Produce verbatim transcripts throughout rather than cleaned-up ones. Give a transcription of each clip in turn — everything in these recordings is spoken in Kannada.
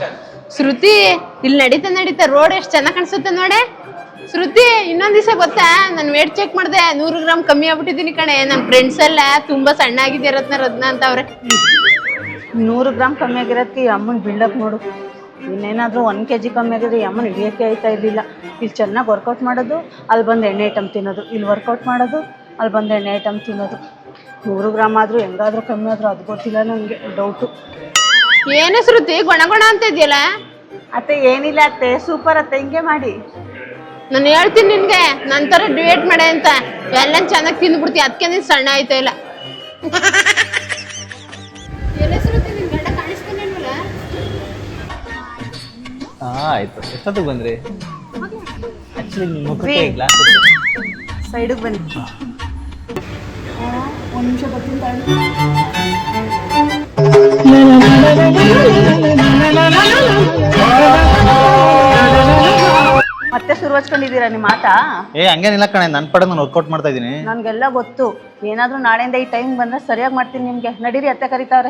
ಶ್ರುತಿ ಇಲ್ಲಿ ನಡೀತಾ ನಡೀತಾ ರೋಡ್ ಎಷ್ಟ್ ಚೆನ್ನಾಗ್ ಕಾಣಿಸುತ್ತೆ ನೋಡೆ. ಶ್ರುತಿ ಇನ್ನೊಂದ್ ದಿವಸ ಗೊತ್ತಾ, ನಾನ್ ವೇಟ್ ಚೆಕ್ ಮಾಡ್ದೆ, ನೂರು ಗ್ರಾಮ್ ಕಮ್ಮಿ ಆಗ್ಬಿಟ್ಟಿದೀನಿ ಕಣೆ. ನನ್ ಫ್ರೆಂಡ್ಸ್ ಎಲ್ಲ ತುಂಬಾ ಸಣ್ಣ ಆಗಿದೆ ರತ್ನ ರತ್ನ ಅಂತ ಅವ್ರೆ. ನೂರು ಗ್ರಾಮ್ ಕಮ್ಮಿ ಆಗಿರೋದಕ್ಕೆ ಅಮ್ಮನ್ ಬಿಲ್ಡಪ್ ನೋಡು. ಇನ್ನೇನಾದ್ರೂ ಒಂದ್ ಕೆಜಿ ಕಮ್ಮಿ ಆಗಿದ್ರೆ ಅಮ್ಮನ್ ಹಿಡಿಯಕ್ಕೆ ಆಯ್ತಾ ಇರ್ಲಿಲ್ಲ. ಇಲ್ಲಿ ಚೆನ್ನಾಗಿ ವರ್ಕೌಟ್ ಮಾಡೋದು, ಅಲ್ಲಿ ಬಂದು ಎಣ್ಣೆ ಐಟಮ್ ತಿನ್ನೋದು, ಇಲ್ಲಿ ವರ್ಕೌಟ್ ಮಾಡೋದು, ಅಲ್ಲಿ ಬಂದು ಎಣ್ಣೆ ಐಟಮ್ ತಿನ್ನೋದು. ನೂರು ಗ್ರಾಮ್ ಆದ್ರೂ ಹೆಂಗಾದ್ರೂ ಕಮ್ಮಿ ಆದ್ರೂ ಅದು ಗೊತ್ತಿಲ್ಲ ನಂಗೆ, ಡೌಟು. ಏನೇ ಶ್ರುತಿ ಗೊಣ ಗೊಣ ಅಂತ ಇದೆಯಲ್ಲ? ಅತ್ತೆ ಏನಿಲ್ಲ ಅತ್ತೆ, ಸೂಪರ್ ಅತ್ತೆ, ಹಿಂಗೆ ಮಾಡಿ. ನಾನು ಹೇಳ್ತೀನಿ ನಿನ್ಗೆ ನಂತರ ಡಿವೇಟ್ ಮಾಡೆ ಅಂತ. ಎಲ್ಲ ಚೆನ್ನಾಗಿ ತಿಂದ್ಬಿಡ್ತಿ, ಅದಕ್ಕೆ ನೀನ್ ಸಣ್ಣ ಆಯ್ತಾ ಇಲ್ಲ. ಹಾ ಆಯ್ತು. ಎಷ್ಟೊತ್ತಿಗೆ ಬಂದ್ರಿ? ಆಕ್ಚುಲಿ ನಿಮ್ಮ ಮುಖಕ್ಕೆ ಗ್ಲಾಸ್ ಸೈಡಿಗೆ ಬನ್ನಿ. ಒಂದು ನಿಮಿಷ ಬರ್ತೀನಿ. ಮತ್ತೆ ಶುರು ಹಚ್ಕೊಂಡಿದ್ದೀರಾ ನಿಮ್ಮ ಆಟ? ಏ ಹಂಗೇನಿಲ್ಲ ಕಣೆ, ನನ್ನ ಪಡೆ ನಾನು ವರ್ಕೌಟ್ ಮಾಡ್ತಾ ಇದ್ದೀನಿ. ನನ್ಗೆಲ್ಲ ಗೊತ್ತು. ಏನಾದ್ರೂ ನಾಳೆಯಿಂದ ಈ ಟೈಮ್ ಬಂದ್ರೆ ಸರಿಯಾಗಿ ಮಾಡ್ತೀನಿ ನಿಮ್ಗೆ. ನಡೀರಿ, ಅತ್ತೆ ಕರೀತಾವ್ರೆ.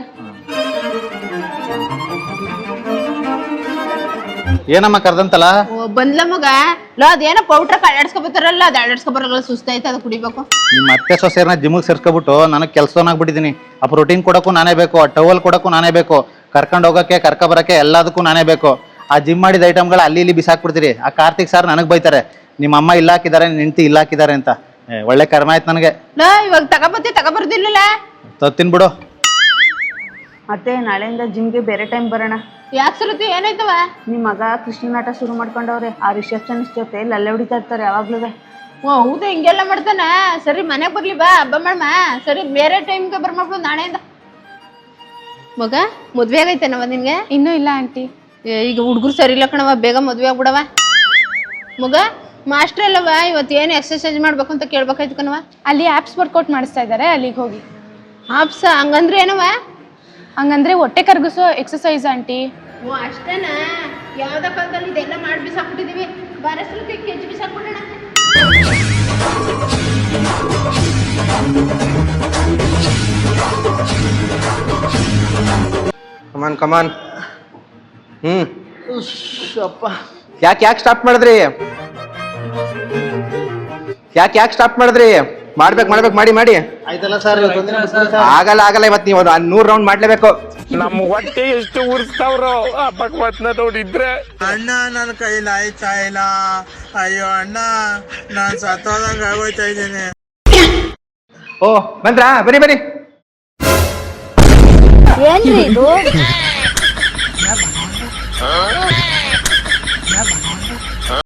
ಏನಮ್ಮ ಕರ್ದಂತಲ್ಲ? ಬಂದ್ಲ ಮಗ. ಲೋ ಅದೇನೋ ಪೌಡ್ರ ಅಡ್ಯಾಡ್ಸ್ಕೊಬತ್ತಾರಲ್ಲ, ಅದು ಅಡ್ಯಾಡ್ಸ್ಕೊಬರಲ್ಲ, ಸುಸ್ತಾಯ್ತು, ಅದು ಕುಡಿಬೇಕು. ನಿಮ್ಮ ಅತ್ತೆ ಸೊಸೆಯರ್ನ ಜಿಮ್ಗೆ ಸೇರ್ಸ್ಕೊಬಿಟ್ಟು ನನಗೆ ಕೆಲಸವನ್ನಾಗ್ಬಿಟ್ಟಿದ್ದೀನಿ. ಆ ಪ್ರೋಟೀನ್ ಕೊಡೋಕ್ಕೂ ನಾನೇ ಬೇಕು, ಆ ಟವಲ್ ಕೊಡೋಕ್ಕೂ ನಾನೇ ಬೇಕು, ಕರ್ಕೊಂಡು ಹೋಗೋಕ್ಕೆ ಕರ್ಕೊ ಬರೋಕ್ಕೆ ಎಲ್ಲದಕ್ಕೂ ನಾನೇ ಬೇಕು. ಆ ಜಿಮ್ ಮಾಡಿದ ಐಟಮ್ಗಳು ಅಲ್ಲಿ ಇಲ್ಲಿ ಬಿಸಾಕ್ಬಿಡ್ತೀರಿ. ಆ ಕಾರ್ತಿಕ್ ಸರ್ ನನಗೆ ಬೈತಾರೆ, ನಿಮ್ಮ ಅಮ್ಮ ಇಲ್ಲ ಹಾಕಿದ್ದಾರೆ, ನಿಂತಿ ಇಲ್ಲ ಹಾಕಿದ್ದಾರೆ ಅಂತ. ಒಳ್ಳೆ ಕರ್ಮ ಆಯ್ತು ನನಗೆ. ಲೋ ಇವಾಗ ತಗೋಬತ್ತಿ ತಗೋಬರ್ದಿಲ್ಲ. ತತ್ತೀನಿ ಬಿಡು. ಮತ್ತೆ ನಾಳೆಯಿಂದ ಜಿಮ್ಗೆ ಬೇರೆ ಟೈಮ್ ಬರೋಣ. ಯಾಕೆ ಶ್ರುತಿ ಏನಾಯ್ತವ? ನಿಮ್ಮ ಮಗ ಕೃಷ್ಣನಾಟ ಶುರು ಮಾಡ್ಕೊಂಡವ್ರೆ. ಆ ರಿಸೆಪ್ಷನಿಸ್ಟ್ ಜೊತೆ ಲಲ್ಲೆ ಹೊಡಿತಾ ಇರ್ತಾರೆ ಯಾವಾಗ್ಲೂ. ಓ ಹೌದಾ, ಹಿಂಗೆಲ್ಲ ಮಾಡ್ತಾನ? ಸರಿ ಮನೆಗೆ ಬರ್ಲಿ ಬಾ, ಹಬ್ಬ ಮಾಡಮ್ಮ. ಸರಿ ಬೇರೆ ಟೈಮ್ಗೆ ಬರ್ಮಾಡ್ಬೋದು ನಾಳೆಯಿಂದ. ಮಗ ಮದ್ವೆ ಆಗೈತೇನವ ನಿನ್ಗೆ? ಇನ್ನೂ ಇಲ್ಲ ಆಂಟಿ. ಈಗ ಹುಡುಗರು ಸರಿ ಇಲ್ಲ ಕಣವ, ಬೇಗ ಮದ್ವೆ ಆಗ್ಬಿಡವ. ಮಗ ಮಾಸ್ಟರ್ ಅಲ್ಲವ, ಇವತ್ತು ಏನು ಎಕ್ಸರ್ಸೈಸ್ ಮಾಡ್ಬೇಕು ಅಂತ ಕೇಳ್ಬೇಕಾಯ್ತು ಕಣವ. ಅಲ್ಲಿ ಆ್ಯಪ್ಸ್ ವರ್ಕೌಟ್ ಮಾಡಿಸ್ತಾ ಇದ್ದಾರೆ, ಅಲ್ಲಿಗೆ ಹೋಗಿ. ಆಪ್ಸ ಹಂಗಂದ್ರೆ ಏನವ? ಹಂಗಂದ್ರೆ ಹೊಟ್ಟೆ ಕರ್ಗಿಸೋ ಎಕ್ಸಸೈಸ್ ಆಂಟಿ. ಓ ಅಷ್ಟೇನಾ? ಯಾವ್ದ ಕಾಲದಲ್ಲಿ ಇದೆಲ್ಲ ಮಾಡಿ ಬಿಸಾಕ್ಬಿಟ್ಟಿದೀವಿ. ಬರಸ್ಲಕ್ಕೆ ಕೆಜಿ ಬಿಸಾಕ್ಬಿಡೋಣ. ಕಮಾನ್ ಕಮಾನ್. ಹ್ಮ್ ಯಾಕೆ ಯಾಕೆ ಸ್ಟಾಪ್ ಮಾಡಿದ್ರಿ? ಯಾಕೆ ಯಾಕೆ ಸ್ಟಾಪ್ ಮಾಡಿದ್ರಿ? ಮಾಡ್ಬೇಕು ಮಾಡ್ಬೇಕು ಮಾಡಿ ಮಾಡಿ. ಆಯ್ತಲ್ಲ ಸರ್, ಆಗಲ್ಲ ಆಗಲ್ಲ, ಇವತ್ತು ನೀವು ನೂರ್ ರೌಂಡ್ ಮಾಡ್ಲೇಬೇಕು. ನಮ್ಮ ಹೊಟ್ಟೆ ಎಷ್ಟು ಉರ್ಸ್ತಾವ್ರೋ ಆ ಭಗವತ್ನ ನೋಡಿದ್ರೆ. ಅಣ್ಣ ನನ್ನ ಕೈಲಿ ಆಯ್ತಾ ಇಲ್ಲ. ಅಯ್ಯೋ ಅಣ್ಣ, ನಾನ್ ಸತ್ತೋದಂಗ ಆಗೋಯ್ತಾ ಇದ್ದೀನಿ. ಓ ಬಂದ್ರಾ? ಬನ್ನಿ ಬನ್ನಿ. ಏನ್ರಿ ಇದು?